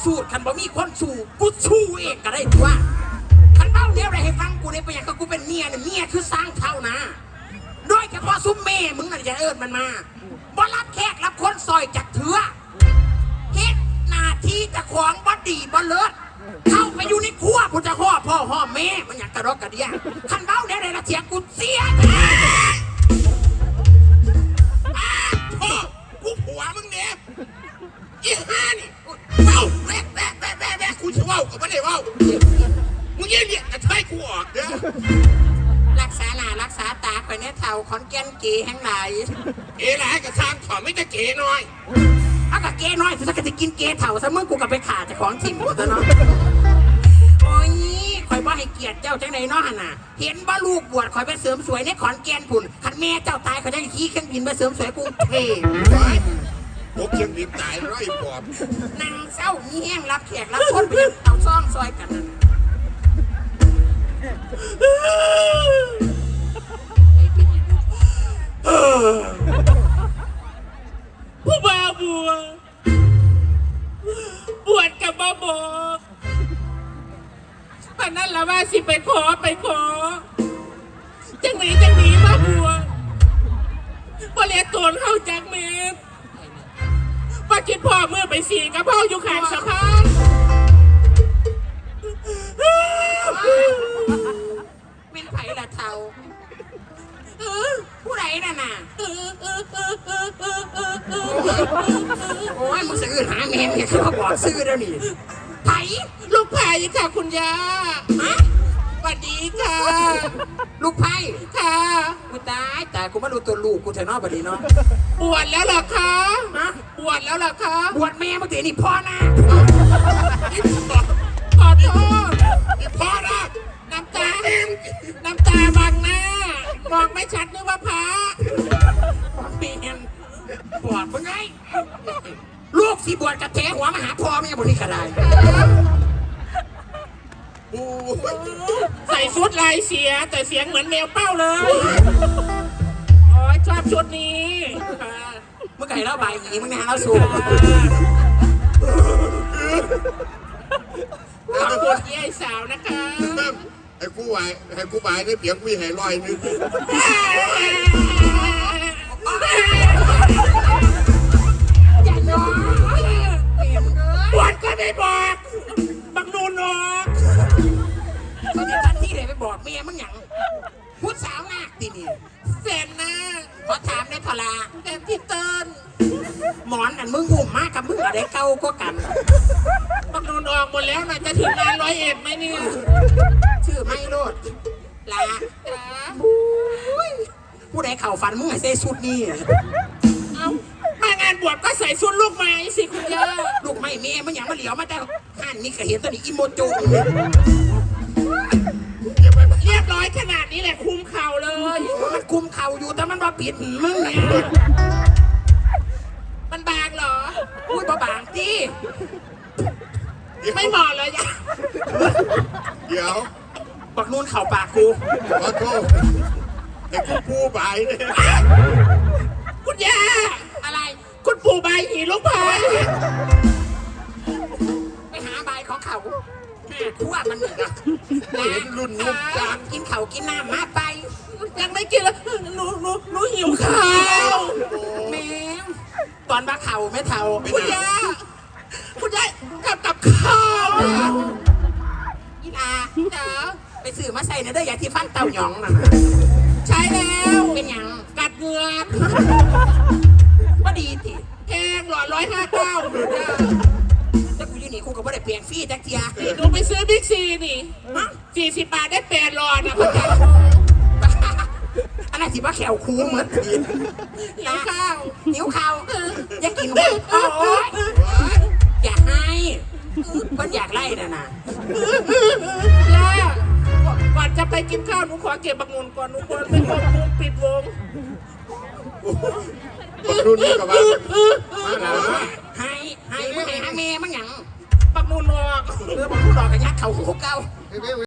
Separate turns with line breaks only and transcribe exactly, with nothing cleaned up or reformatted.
สูตรคันบ่มีคนสู้กูสู้เองก็ได้ตัวคันเบ้าเนี้ยอะไรให้ฟังกูได้ไปอย่างก็กูเป็นเมียเนี่ยเมียคือสร้างเท่านะโดยเฉพาะซุ้มเม่มึงน่ะจะเอิญมันมาบ่รับแขกรับคนซอยจักเถื่อเฮ็ดหน้าที่จะของบ่ดีบ่เลิศเข้าไปอยู่ในครัวกูจะห่อพ่อห่อแม่มันอยากกระรอกกระเดียคันเบ้าเนี้ยอะไรละเถียงกูเสีย
พ่อกูผัวมึงเนี่ยอีห่านี่เว้าแวะแวะแวะแวะแวะกูจะเว้ากับไม่ได้เว้ามึงยังเนี่ยจะใช้กูออกเด้อ
รักษาหน้ารักษาตาไปเนี่ยเท่าขอนแก่นเก๋แห่งไหน
เอ๋หลายกระทางถอดไม่จะเก๋น้อย
เอากะเก๋น้อยถ้าจะกินเก๋เท่าซะมึงกูกับไปขาจะของทิมกูซะเนาะโอ้ยคอยบ่ให้เกียรติเจ้าจังไหนเนาะน่ะเห็นบ่ลูกบวชคอยไปเสริมสวยในขอนแก่นพุ่นคันแม่เจ้าตายเขาจะขี่เครื่องบินไปเสริมสวยกรุงเทพ
พวกเชียงบินตายร้อยปอบ
นางเศร้ามีแห้งรับแขกรับคนไปยังเอาซ่องซอยกัน
ผู้บ่าวบัวบวชกับบ่บอกตอนนั้นละว่าสิไปขอไปขอจังหนีจังหนีบ่บัวบ่เลียตนเข้าจากเมฆว่าคิดพ่อเมื่อไปสีกับพ่ออยู่ข้างสะพาน
เป็นไผ่ละเทาผู้ใดน่ะน่ะโอ้ยมึงซื้อหาเมนเนี่ยเขาบอกซื้อแล้วนี่ไผ่
ลูกไผ่ค่ะคุณย่า
ฮะ
สวัสดีค่ะ
ลูกไผ่
ค่ะ
กูตายแต่กูไม่รู้ตัวลูกกูเถอะเนาะบัดนี้เนาะ
บวชแล้วเหรอคะ
ฮะ
บวชแล้วเหรอคะ
บวชแม่เมื่อกี้นี่พ่อนะ
ขอโทษ
พ่อนะ
น้ำตาน้ำตาบังหน้ามองไม่ชัดนึกว่าพระ
เมียนบวชมึงไงลูกสิบวชกระแทหัวมาหาพ่อแม่บนนี้กระได
ใส่ชุดลายเสียแต่เสียงเหมือนแมวเป้าเลยโอ้ยชอบชุดนี้
เมื่อไก่เล่าใบหนีมึงนะเราสูบ
ขอบคุณยายสาวนะคะ
ไอ้กูไหวไอ้กูไหวได้เปียกกูให้ลอยนึง
อย่าย้อน
บวชก็ไม่บอกบังนูนออก
ตอนนี้ท่านที่ไหนไปบอกเมียมึงอย่างพูดสาวมากทีนี่
แสนนะ
ขอถามได้ทลา
แสนที่เติ้ล
หมอนนั่นมึงหุ่มมากกับมึงอะไรเก่าก็กัน
บังนูนออกหมดแล้วนะจะถึงงานร้อยเอ็ดไหมเนี่ย
ชื่อไม่โลดลาผู้ใดเข่าฟันมึงไอ้เซ่ชุดนี่
เอามางานบวชก็ใส่ชุดลูกไม้สิคุณย่า
ลูกไม้เมียมึงอย่างมาเหลียวมาแต่ห่านนี่ก็เห็นตอนนี้อิโมโจ
เรียบร้อยขนาดนี้แหละคุมเข่าเลย
มันคุมเข่าอยู่แต่มันมาปิดมึงเนี่ย
มันบางเหรอ
พูดบาบางที่
ไม่เหมาะเลยยะ
เดี๋ยว
บักนูนเข่าปากกู
ขอโทษไอ้กูปูใบเนี่ย
คุณย่า
อะไร
คุณปู่ใบหีลูกพาย
ไปหาใบของเขาทั่วมันนะ
เห็นรุ่นนุ่มจาง
กินเขากินน้ำมาไป
ยังไม่กินแล้วหนูหนูหนูหิวข้าว
แม่ตอนบ้าเข่าไม่เท่า
คุณย่าคุณย่ากับกับข้าว
อีลาเด้อไปซื้อมาใส่เนื้ออย่าที่ฟันเต่าหยองน่ะ
ใช้แล้ว
เป็นยัง
กัดเงือก
ว่าดีที
แพงหลอดร้อยห้าเก้า
ถ้ากูยืนนี่กูก็ไม่ได้เปลี่ยนฟรีจักเทีย
หนูไปซื้อบิ๊กซีนี่สี่สิบบาทได้แปดหลอดนะพ่อจ๋า
อะไรสิว่าแขวคูเหมือนที
หิวข้าว
หิวข้าวอยากกินหัวโอ้ยอย่าให้เพิ่นอยากไล่น่ะนะ
ย่าก่อนจะไปกินข้าวหนูขอเก็บบักงุนก่อนหนูควรไปควบคุมปิดวง
บักรุ่นนี่กับว่า
ให้ให้ไม่ให้ให้แม่มั้งหยัง
บักงุนออก
เออบักงุนออกกันยัดเข่าหัวเก้า